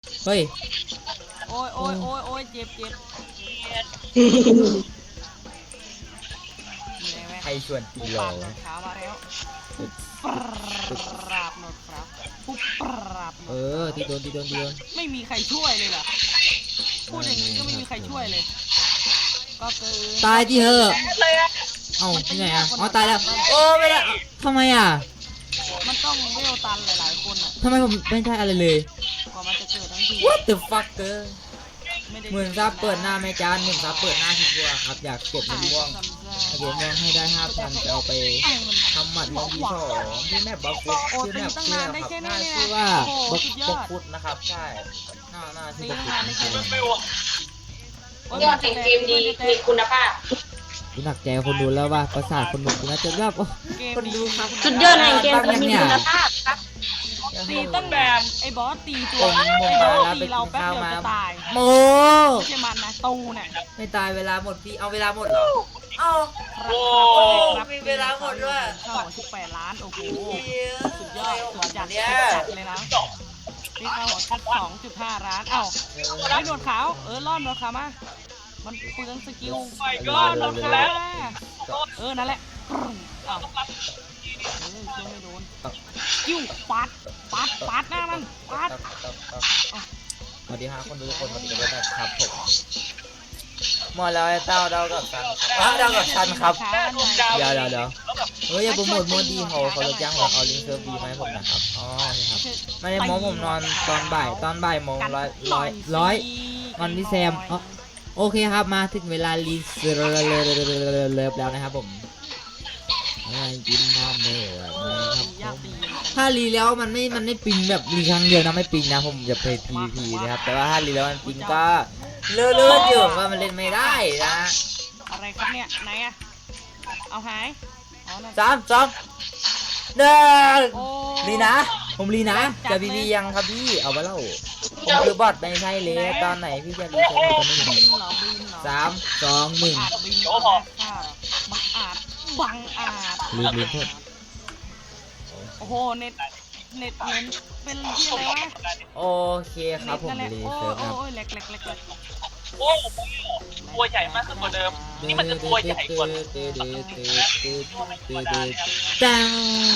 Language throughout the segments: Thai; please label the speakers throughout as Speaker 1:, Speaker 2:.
Speaker 1: เฮ้ย
Speaker 2: โอ้ยโอ้ยโอ้ยโอ้ยเจ็บเจ็บมีอะไรไหม
Speaker 1: ใครชวนตี
Speaker 2: ปุ๊บ
Speaker 1: หล
Speaker 2: ปา
Speaker 1: อบ
Speaker 2: หนวดขาวมาแล้วปุ๊บปราบหนวดขาวปุ๊บปราบหนวดขาว
Speaker 1: ตีโดนตีโดนตีโดน
Speaker 2: ไม่มีใครช่วยเลยเหรอพูดอย่างนี้ก็ไม่มีใครช่วยเลยก็คือ
Speaker 1: ตายที่เหอะเอ้าที่ไหนอ่ะอ๋อตายแล้วโอ้ไม่ได้ทำไมอ่ะ
Speaker 2: มันต้องเวลตันหลายๆคนอ่ะ
Speaker 1: ทำไมผมไม่ใช่อะไรเลย
Speaker 2: กว่ามันจะเกิดทั้งที
Speaker 1: What the fuck เกอร์
Speaker 2: ไม่ได้
Speaker 1: หมื่นซับเปิดหน้าแม่จานหมื่นซับเปิดหน้าชิบัวครับอยากเก็บเงินม่วงเก็บเงินให้ได้5,000จะเอาไปทำหมัดลงที่2ที่แม่บัฟฟุต
Speaker 2: โอ้
Speaker 1: ชื่อ
Speaker 2: ตี
Speaker 1: แม่
Speaker 2: ตั้ง
Speaker 1: ชื่
Speaker 2: นา
Speaker 1: อน
Speaker 2: ได้
Speaker 1: ครับ
Speaker 2: แค่
Speaker 1: หน้า
Speaker 2: นี้
Speaker 1: ชื่
Speaker 2: เนี่
Speaker 1: อย ว่า
Speaker 2: โอ้โห
Speaker 1: บัฟ
Speaker 2: สุดย
Speaker 1: บั
Speaker 2: อ
Speaker 1: ฟ
Speaker 2: ด
Speaker 1: ฟุตนะครับใช่หน้าชื่
Speaker 2: ตี
Speaker 1: อบัฟ
Speaker 2: ตั้ง
Speaker 1: ฟุต
Speaker 2: นานได้แค่นี้
Speaker 3: ยอดแห่งเกมดีมีคุณภาพ
Speaker 1: กูหนักใจคนดูแล้วว่าประสาทคนดูกูน่าจะแบบคนดูครับ
Speaker 3: สุดยอดแห่งเกมดีมีคุณภาพครับ
Speaker 2: ตีตั้งนานไอ้บอสตีตัว
Speaker 1: ผม
Speaker 2: ไอ้บอส
Speaker 1: มาแล้ว
Speaker 2: ตีเราแป๊บเดียวจะตาย
Speaker 1: โม
Speaker 2: ไม่ใช่มันนะตูเนี่ย
Speaker 1: ไม่ตายเวลาหมดพี่เอาเวลาหมดเหรอเอา
Speaker 2: ครับ
Speaker 1: มีเวลาหมดด้วย
Speaker 2: เข้า18 ล้านโอ้โหสุดยอดสุดจัด
Speaker 1: เนี่ย
Speaker 2: จัดเลยนะนี่เข้าหัวคัด2.5 ล้านเอ้าไอ้หนวดขาวล่อนหนวดขาวมามันเปลืองสกิลล่อนหนวดขาวมานั่นแหละเอ้าช่วยไม่โดนกิ้วปัดหน้ามันปัด
Speaker 1: สวัสดีครับคนดูทุกคนสวัสดีครับผมหมดแล้วไอ้เต้าเดากับซันเดากับซันครับเดี๋ยวเฮ้ยอย่าโปรโมทโมดีเขาจะจ้างผมเอาลิงก์เซิร์ฟดีมาให้ผมนะครับอ๋อครับไม่ได้โม้ผมนอนตอนบ่ายโมงร้อยวันที่แซมโอเคครับมาถึงเวลารีเซิร์ฟแล้วนะครับผมกินน้ำเนื้อนะครับถ้ารีแล้วมันไม่ปิงแบบรีครั้งเดียวนะไม่ปิงนะผมจะไป PVP นะครับแต่ว่าถ้ารีแล้วมันปิงก็เลื่อนอยู่ว่ามันเล่นไม่ได้นะ
Speaker 2: อะไรครับเนี่ยไหนอะเอาหาย
Speaker 1: 3 2 1รีนะผมรีนะจะบีบียังครับพี่เอาไปเล่าผมคือบอทไม่ใช่เลยตอนไหนพี่จะรีเซ็ตตอนนี้
Speaker 2: บินเหรอ
Speaker 1: 3 2 1
Speaker 2: อาจบินค่ะบังอาจ
Speaker 1: ลืมโทษ
Speaker 2: โอ้โหเน็ตเป็นที่อะไรวะ
Speaker 1: โอเคครับผมรี
Speaker 2: โอ้
Speaker 1: เซิร์ฟครับ
Speaker 2: ยแหลก
Speaker 4: โอ้โหตัวใหญ่มากขึ้นกว่าเดิม นี่มันจะตัวใหญ่กว่า
Speaker 1: จัง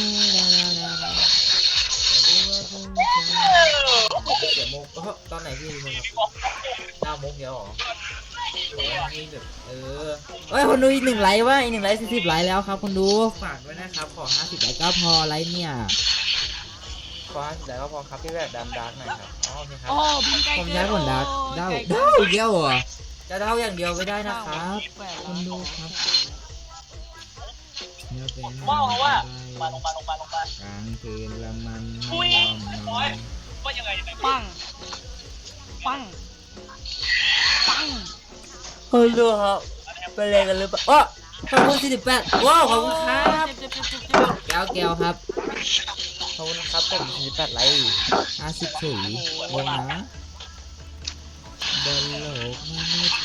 Speaker 1: เสียโมกตอนไหนพี่มึงครับ9 โมงเดียวหรอนี่แบบเฮ้ยคนดูอีก1 ไลค์ว่าอีก1 ไลค์40 ไลค์แล้วครับคนดูฝากด้วยนะครับขอ50 ไลค์ก็พอไลค์เนี่ยขอ50 ไลค์ก็พอครับพี่แบบดำดาร์กหน่อยครับอ๋อโอเคครับ
Speaker 2: โอ้บินไกล
Speaker 1: ผม
Speaker 2: เกิ
Speaker 1: ใช้
Speaker 2: น
Speaker 1: ผลดักเด้าเดียวอ่ะจะเด้าอย่างเดียวไม่ได้นะครับคุณดูครับ
Speaker 4: ว่ามาลงมาก
Speaker 1: ลางคืนละมัน
Speaker 4: คุยว่ายังไง
Speaker 2: ปัง
Speaker 1: คุณดูครับไปเลยกันหรือเปล่าอ๋อขอบคุณ48ว้าวขอบคุณครับแก้วครับขอบคุณครับผม48 ไลค์50 ฉุยลงนะบนโลกมนุษย์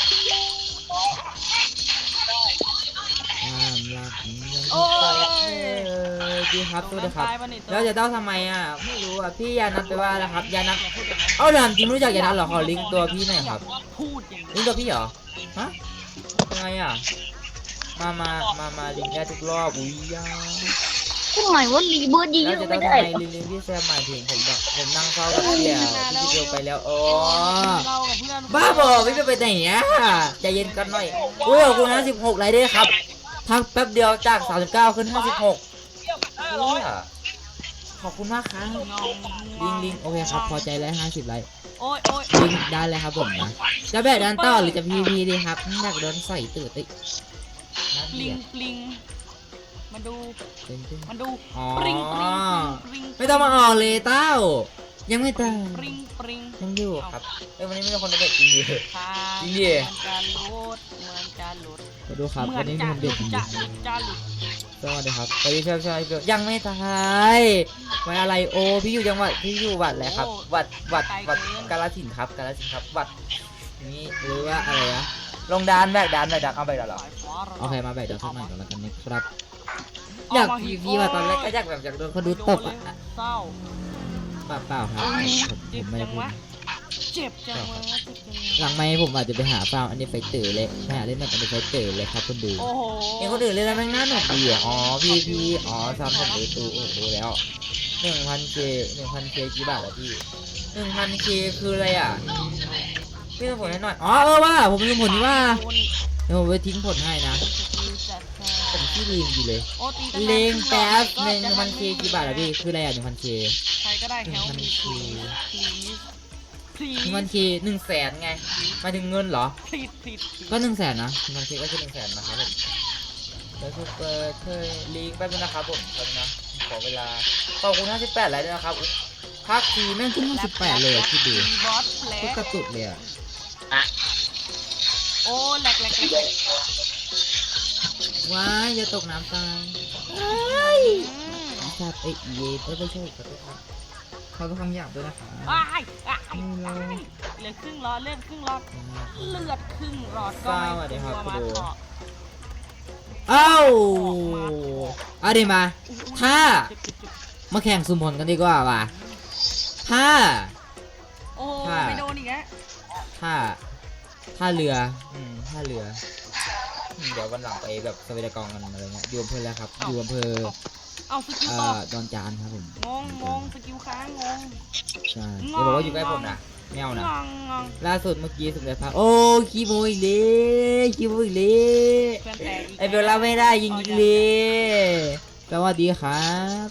Speaker 1: ความรักยัง
Speaker 2: โอ้ย
Speaker 1: ดีครับตัวเดียวครับแล้วจะเต้าทำไมอ่ะไม่รู้อ่ะพี่ยานัทไปว่าแล้วครับยานัทเอาถามจริงรู้จักยานัทเหรอขอลิงก์ตัวพี่หน่อยครับ
Speaker 2: พูดอย่าง
Speaker 1: ลิงก์ตัวพี่เหรอฮะยังไงอ่ะมาลิงก์ได้ทุกรอบอุ้ยยา
Speaker 3: ทำไมว่ารีเบิร์ดยิง
Speaker 1: แล้วจะ
Speaker 3: ไม่
Speaker 1: เต้า
Speaker 3: ได้
Speaker 1: ทำไมลิงก์พี่แซมหมายถึงผมแบบผมนั่งเฝ้ากับพี่อ่ะพี่เดียวไปแล้วอ๋อ
Speaker 2: เรากับเพื่อน
Speaker 1: บ้าบอพี่ไปไหนอ่ะใจเย็นกันหน่อยอุ้ยขอบคุณนะ16 ไลค์ด้วยครับพักแป๊บเดียวจาก39ขึ้น56อุ้ยขอบคุณมากครับลิงโอเคครับพอใจแล้ว50 ไลค์
Speaker 2: โอ้ย
Speaker 1: ลิงได้เลยครับผมนะจะแบบดันต่อหรือจะพีดีครับอยากโดนใส่ตื่นติ
Speaker 2: ลิงมาดู
Speaker 1: อ๋อ
Speaker 2: ปริง
Speaker 1: ไม่ต้องมาออกเลยเต้ายังไม่ตาย
Speaker 2: ปริง
Speaker 1: ยังอยู่ครับวันนี้ไม่มีคนเด็กจริงดิ
Speaker 2: ค่ะ
Speaker 1: จริงดิ
Speaker 2: เหมือนจะหลุด
Speaker 1: มาดูครับวันนี้มีคนเด็กจริงดิ
Speaker 2: จะหลุด
Speaker 1: สวัสดีครับสวัสดีใช่ยังไม่ตายไว้อะไรโอพี่อยู่จังหวัดพี่อยู่วัดอะไรครับวัดกาฬสินธุ์ครับวัดนี้หรือว่าอะไรนะลงดานแบกดานเอาไปแล้วเหรอโอเคมาแบกดานสักหน่อยก่อนแล้วกันนะครับอยากพีว่าตอนแรกก็อยากแบบอยากโดนเขาดูตบอ่ะ
Speaker 2: เศร้า
Speaker 1: เปล่าครับผมไม่ได้พูด
Speaker 2: เจ็บจังวะเจ็บจัง
Speaker 1: หลังไมค์ผมอาจจะไปหาฟาร์มอันนี้ไฟเตอร์เลยไปหาเล่นแบบอันนี้ไฟเตอร์เลยครับคนดู
Speaker 2: โอ้โห
Speaker 1: เห็นคนอื่นเล่นแล้วแม่งน่าหนุกดีอ่ะอ๋อพี่อ๋อซ้ำผมดูตูโอ้โหแล้ว 1,000K 1,000K กี่บาทอะพี่ 1,000K คืออะไรอ่ะพี่ต้องผลให้หน่อยอ๋อว่าผมลืมผลนี่ว่า
Speaker 2: คุณ
Speaker 1: เดี๋ยวผมไปทิ้งผลให้นะ
Speaker 2: จัดค่ะ
Speaker 1: ผมที่ลืมอยู่เลย
Speaker 2: โอ้ตีตั้งนาน
Speaker 1: เลงแป๊บ
Speaker 2: ก็จะ
Speaker 1: 1,000K กี่บาทอะพี่คืออะไรอ่ะ 1,000K
Speaker 2: ใครก็ได้แฮลมี
Speaker 1: 1,000K
Speaker 2: พลี
Speaker 1: 1,000K 100,000ไงหมายถึงเงินเหรอ
Speaker 2: พลีพลี
Speaker 1: ก็100,000นะ 1,000K ก็คือ100,000นะครับผมแล้วซูเปอร์เคยลิงก์แป๊บนึงนะครับผมแป๊บนึงนะขอเวลาขอบคุณ58ไลค์ด้วยนะครับภาคทีแม่งขึ้น58เลยอะคิดดู
Speaker 2: บอสแผล
Speaker 1: ก็กระตุกเลยอะ
Speaker 2: โอ้แหลก
Speaker 1: ว้ายอย่าตกน้ำตายชาติเย่ไม่ใช่ขอโทษครับเขาต้องคำหยาบด้วยนะคะ
Speaker 2: อ้ายเหลือครึ่งหลอดเลือดครึ่งหลอดเลือดครึ่งหลอดก็ไม่กลัวมาเถาะ
Speaker 1: เอ้าเอาดิมา ถ้ามาแข่งสุ่มผลกันดีกว่าว่ะถ้า
Speaker 2: โอ้ไม่โดนอีกแล้ว
Speaker 1: ถ้าเรือถ้าเรือเดี๋ยววันหลังไปแบบสวีดกองกันอะไรเงี้ยอยู่อำเภอแล้วครับอยู่อำเภอ
Speaker 2: เอาสกิลต่อ
Speaker 1: ดอนจานครับผม
Speaker 2: งงสกิลค้างงง
Speaker 1: ใช่อย่าบอกว่าอยู่ใกล้ผมนะไม่เอานะ
Speaker 2: งง
Speaker 1: ล่าสุดเมื่อกี้สุดเลยครับโอ้คีโมอีกเลย
Speaker 2: เพื่อนแต่อีก
Speaker 1: ไอเบลล่าไม่ได้ยิงอีกเลยสวัสดีครับ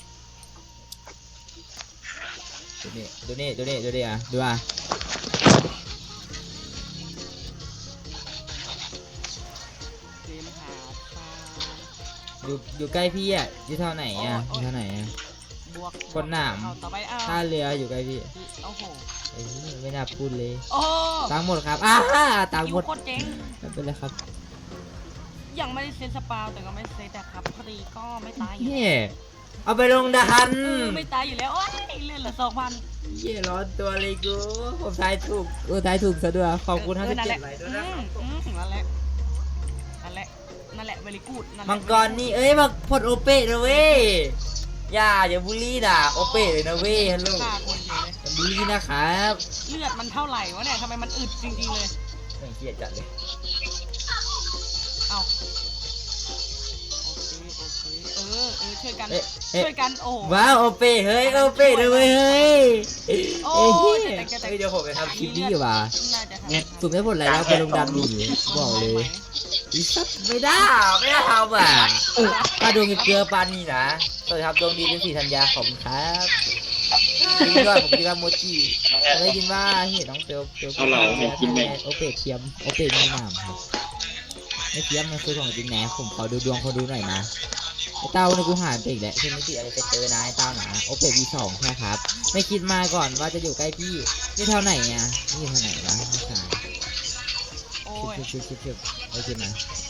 Speaker 1: ดูนี่อ่ะดูอ่ะ
Speaker 2: เกมหาปลา
Speaker 1: อยู่ใกล้พี่อ่ะอยู่เท่าไหนอ่ะอยู่เท่าไหนอ่ะ
Speaker 2: บวก
Speaker 1: คนหนาม
Speaker 2: เอาต่อไปเอา
Speaker 1: ท่าเรืออยู่ใกล้พี่
Speaker 2: โอ้โห
Speaker 1: ไอ้นี่ไม่น่าพูดเลย
Speaker 2: โอ้
Speaker 1: ตังค์หมดครับตังค์หมด
Speaker 2: โคตรเจ๋ง
Speaker 1: ไม่เป็นไรครับ
Speaker 2: ยังไม่ได้เซ็นสปาวแต่ก็ไม่เซ็นแต่ครับพอดีก็ไม่ตายอยู่
Speaker 1: นี่เอาไปลงดัน
Speaker 2: ไม่ตายอยู่แล้วโอ้ยเลื่อนเหลือ2,000
Speaker 1: เย่ร้อนตัวเลยกูผมทายถูกทายถูกซะด้วยขอบคุณ57ไลค์ด้วยนะ
Speaker 2: นั่นแหละเวลิกูด
Speaker 1: มังกรนี่มาพดโอเป้นะเว้ยอย่าบูลลี่ด่าโอเป้เลยนะเว้ยฮัลโหล
Speaker 2: ฆ่าคนเฉยเลย
Speaker 1: บูลลี่นะครับ
Speaker 2: เลือดมันเท่าไหร่วะเนี่ยทำไมมันอึดจริงๆเลย
Speaker 1: ไม่เกลียดจัดเลย
Speaker 2: เอาโอเคช่วยกัน ช่วยกันโอ้
Speaker 1: ว้าวโอเป้เฮ้ยโอเป้นะเว้ยเฮ้ย
Speaker 2: โอ้ย
Speaker 1: เดี๋ยวผมไปทำคลิปนี้อยู่ว่ะ
Speaker 2: น่าจะ
Speaker 1: เนี่ยสุ่มได้ผลอะไรแล้วไปลงดันหนีบอกเลยอีสัตว์ไม่ได้ทำอ่ะปลาดวงเกลือปลานี่นะสวัสดีครับดวงดีเป็นสีธัญญาขอบคุณครับดีด้วยผมกินว่าโมจิได้ยินว่าเห็นน้องเปียวโอเปเทียมโอเปมีหนามครับไม่เทียมมันคือของจริงแหนผมขอดูดวงเขาดูหน่อยนะไอ้เต้าในกูหาไปอีกแล้วคือไม่ติอะไรไปเจอนะไอ้เต้าหนาโอเปV2ใช่ครับไม่คิดมาก่อนว่าจะอยู่ใกล้พี่นี่เท่าไหนเนี่ยนี่เท่าไหนวะไม่ใช่
Speaker 2: โอ้ย
Speaker 1: ชิบโอเคนะ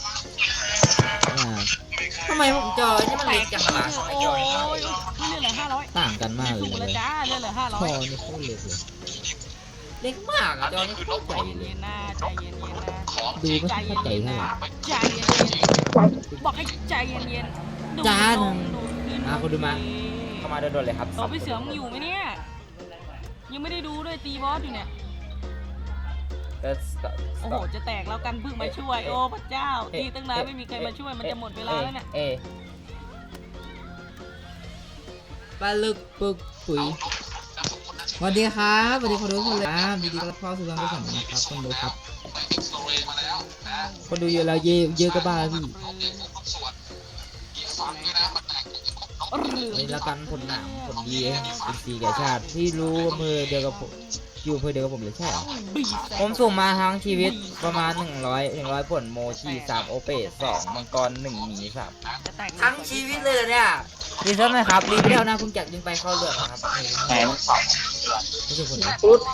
Speaker 1: ทำไมผมจอนี่มันเล็กจังวะ
Speaker 2: โอ้ยเลื่อนเหลือ500
Speaker 1: ต่างกันมากเล
Speaker 2: ถู
Speaker 1: ย
Speaker 2: กแล้วจ้าเลื่อนเหลือ
Speaker 1: จอนี่โคตรเล็กเลยเล็กมากอะจอนี่โคตรใหญ่
Speaker 2: 500
Speaker 1: เลย
Speaker 2: เย็นๆนะใจเย็นๆนะ
Speaker 1: ดูไม่เข้าใจเท่าไหร่
Speaker 2: ใจเย็นๆบอกให้ใจเย็นๆดู
Speaker 1: จาน
Speaker 2: ลงดูขึ้น
Speaker 1: มาคุณดูมา เข้ามาโดนๆเลยครับ
Speaker 2: ตัวพี่เสือมึงอยู่ไหมเนี่ยยังไม่ได้ดูด้วยตีบอสอยู่เนี่ยโอ้โหจะแตกแล้วกันเพิ่งมาช่วยโอ้พระเจ้าตีตั้งนานไม่มีใครมาช่วยมันจะหมดเวลาแล้วเนี่ย
Speaker 1: ปลาลึกปึกปุ๋ยสวัสดีครับสวัสดีคนดูทุกคนเลยครับดีๆก็เข้าสู่การดูสัมนะครับคนดูครับคนดูเยอะแล้วเยอะก็บ้าพี่นี่ละกันผลหนามผลดีเป็นสีแก่ชาติที่รู้อำเภอเดียวกับผมอยู่อำเภอเดียวกับผมเลยใช่เหรอผมส่งมาทั้งชีวิตประมาณ100ผลโมชี3โอเป2มังกร1หมี3
Speaker 2: จะแตก
Speaker 1: ทั้งชีวิตเลยเหรอเนี่ยรีเซ็ตไหมครับรีเซ็ตนะคุณจักรยิงไปเข้าเลือดนะครับไม่ใช่คนนี้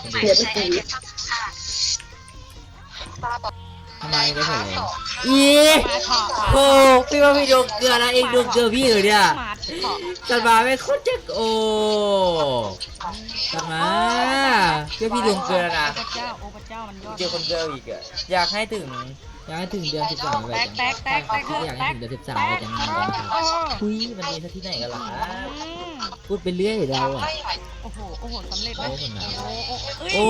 Speaker 1: ทำไมได้ผลเลยโอ้พี่ว่าพี่ดวงเกลือนะเองดวงเกลือพี่เหรอเนี่ยจันมาไม่โคตรจะโอ้จันมาเพื่อพี่ดวงเกลือนะ
Speaker 2: พระเจ้าโอ้พระเจ้ามันยอด
Speaker 1: เจอคนเกลืออีกอะอยากให้ถึงเดือน13ไปจังอยากให้ถึงเดือน13ไปจังนะครับคุยมันมีที่ไหนกันล่ะพูดไปเรื่อยเราอ่ะ
Speaker 2: โอ้โหสำเร็จไหม
Speaker 1: โอ้โห
Speaker 2: โอ้